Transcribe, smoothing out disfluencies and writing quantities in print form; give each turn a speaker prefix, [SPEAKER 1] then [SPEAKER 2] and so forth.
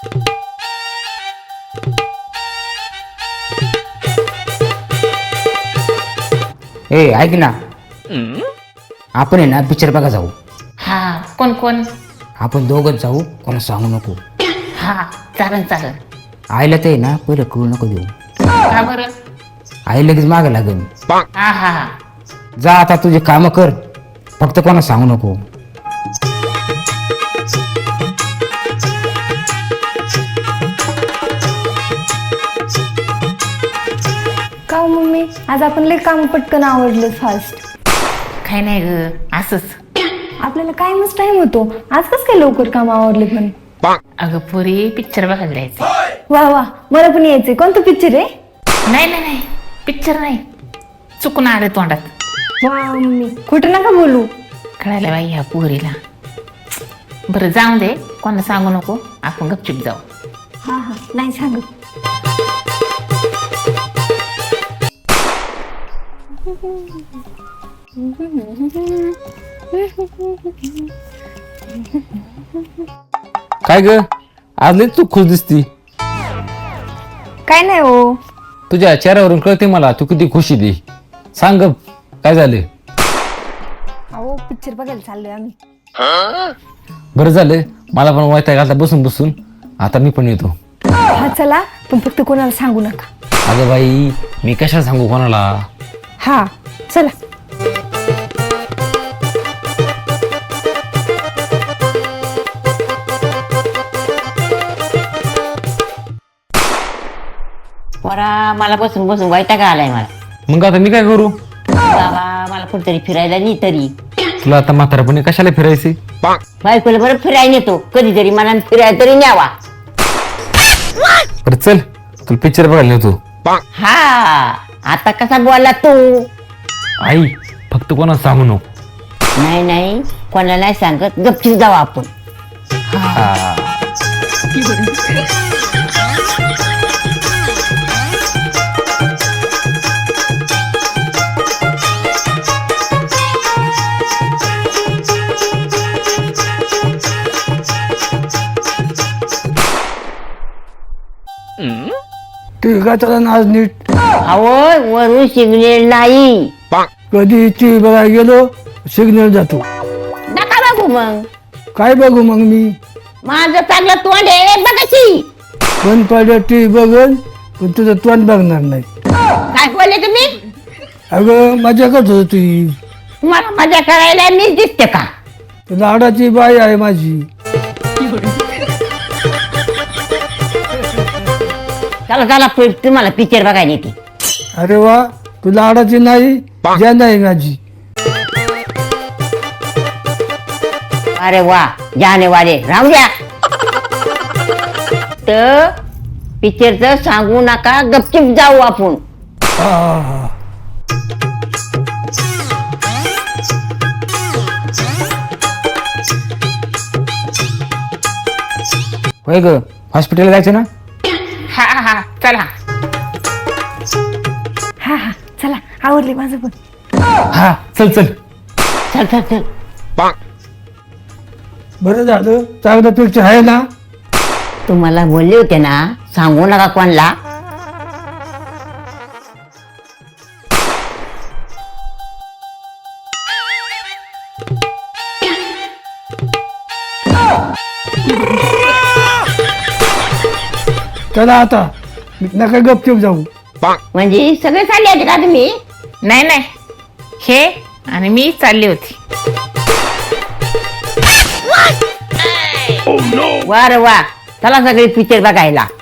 [SPEAKER 1] ए ऐक ना, आपण आहे ना पिक्चर बघा जाऊ.
[SPEAKER 2] हा कोण कोण?
[SPEAKER 1] आपण दोघच जाऊ, कोणा सांगू नको.
[SPEAKER 2] हा चालन चालन.
[SPEAKER 1] आईला ते ना पहिलं कळू नको देऊ.
[SPEAKER 2] का बरं?
[SPEAKER 1] आई लगेच मागं लागेल.
[SPEAKER 2] हा हा
[SPEAKER 1] जा आता तुझे काम कर, फक्त कोणा सांगू नको.
[SPEAKER 3] का हो मम्मी, आज आपण लय काम पटकन आवडलं फास्ट.
[SPEAKER 2] काय नाही ग, असंच.
[SPEAKER 3] आपल्याला काय मस्त टाइम होतो, आज कस काय लवकर काम आवडले पण.
[SPEAKER 2] अगं पोरी पिक्चर बघायला जायचं.
[SPEAKER 3] वा वा, मला पण यायचंय. कोणतं पिक्चर आहे?
[SPEAKER 2] नाही नाही नाही, पिक्चर नाही, चुकून आलं तोंडात.
[SPEAKER 3] वा मम्मी, खोटं नका बोलू.
[SPEAKER 2] कळायला बाई ह्या पोरीला. बरं जाऊ दे, कोणाला सांगू नको, आपण गपचूप जाऊ.
[SPEAKER 3] हा हा, नाही सांगत.
[SPEAKER 4] काय ग, आज लई तू खुश दिसती.
[SPEAKER 3] काय नाही हो.
[SPEAKER 4] तुझ्या चेहऱ्यावरून कळते मला तू किती खुशी दे. सांग ग, काय झालं?
[SPEAKER 3] अहो पिक्चर बघायला चाललोय आम्ही.
[SPEAKER 4] बरं झालं, मला पण वैताग घालता बसून बसून. आता मी पण येतो.
[SPEAKER 3] हा चला, पण फक्त कोणाला सांगू नका.
[SPEAKER 4] अगं बाई, मी कशाला सांगू कोणाला?
[SPEAKER 3] हा चला.
[SPEAKER 5] पोरा, मला बसून बसून वैताग आलाय मला.
[SPEAKER 4] मग आता मी काय करू?
[SPEAKER 5] बाबा, मला कुठतरी फिरायला नाही तरी.
[SPEAKER 4] तुला आता म्हातारपणी कशाला फिरायचे?
[SPEAKER 5] बायकोला बरं फिरायला नेतो, कधीतरी मला फिरायला तरी न्यावा.
[SPEAKER 4] बरं चल, तुला पिक्चर बघायला नेतो.
[SPEAKER 5] हा, आता कसा बोलला तू?
[SPEAKER 4] आई, फक्त कोणाला सांगू नको.
[SPEAKER 5] नाही नाही, कोणाला नाही सांगत, गपचीप जाऊ आपण.
[SPEAKER 6] ठीक आहे, चला ना आज नीट.
[SPEAKER 5] अहो, वरून सिग्नल नाही.
[SPEAKER 6] कधी टी बघायला गेलो सिग्नल जातो.
[SPEAKER 5] नका बघू मग.
[SPEAKER 6] काय बघू मग मी?
[SPEAKER 5] माझं चांगलं तोंड आहे बघाची.
[SPEAKER 6] बंद पडलं टी बघन, पण तुझं तोंड बघणार नाही.
[SPEAKER 5] काय बोलले तुम्ही?
[SPEAKER 6] अगं मजा करत होती तुझी.
[SPEAKER 5] तुम्हाला मजा करायला मीच दिसते का?
[SPEAKER 6] लाडाची बाई आहे माझी.
[SPEAKER 5] चला चला, तुम्हाला पिक्चर बघायला येते.
[SPEAKER 6] अरे वा, तू लाडाची नाही, ज्या नाही माझी.
[SPEAKER 5] अरे वा, जाने वाले राहू द्या. तर पिक्चरचं सांगू नका, गपचिप जाऊ आपण.
[SPEAKER 6] हा हा हा.
[SPEAKER 1] होय ग, हॉस्पिटलला जायचं ना?
[SPEAKER 2] हा हा चला.
[SPEAKER 3] हा हा चला, आवडले माझं पण.
[SPEAKER 1] हा चल चल.
[SPEAKER 5] चल चल चल.
[SPEAKER 6] बरं झालं, चांगलं पिक्चर आहे ना?
[SPEAKER 5] तुम्हाला बोलले होते ना, सांगू नका कोणला.
[SPEAKER 6] चला आता, नका गपचूप जाऊ.
[SPEAKER 5] म्हणजे सगळे चालले होते का तुम्ही?
[SPEAKER 2] नाही नाही, हे आणि मी चालली होती.
[SPEAKER 5] वा रे वा, चला सगळे पिक्चर बघायला.